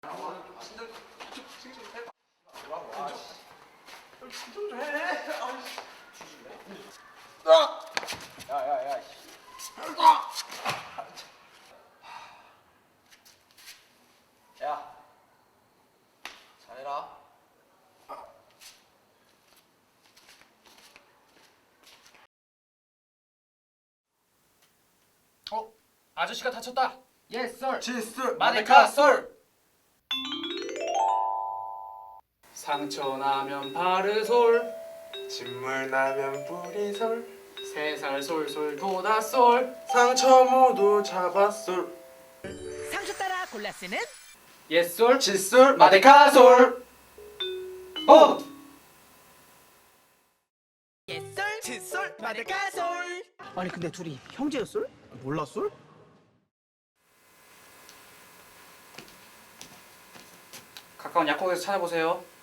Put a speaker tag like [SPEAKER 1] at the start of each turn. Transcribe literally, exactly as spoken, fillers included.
[SPEAKER 1] 진짜 진짜 좀 해봐. 뭐라고? 아, 진짜 좀 해. 아, 야야야. 야, 잘해라.
[SPEAKER 2] 어? 아저씨가 다쳤다.
[SPEAKER 1] Yes sir.
[SPEAKER 2] 칫솔
[SPEAKER 1] 마데카 썰.
[SPEAKER 2] 상처 나면 바르솔,
[SPEAKER 3] 진물 나면 뿌리솔,
[SPEAKER 2] 세살 솔솔 도다솔.
[SPEAKER 3] 상처 모두 잡아솔,
[SPEAKER 4] 상추 따라 골라 쓰는
[SPEAKER 2] 옛솔
[SPEAKER 3] 칫솔
[SPEAKER 2] 마데카솔. 어!
[SPEAKER 4] 옛솔 칫솔 마데카솔. 아니 근데 둘이 형제였솔?
[SPEAKER 3] 몰랐솔?
[SPEAKER 2] 가까운 약국에서 찾아보세요.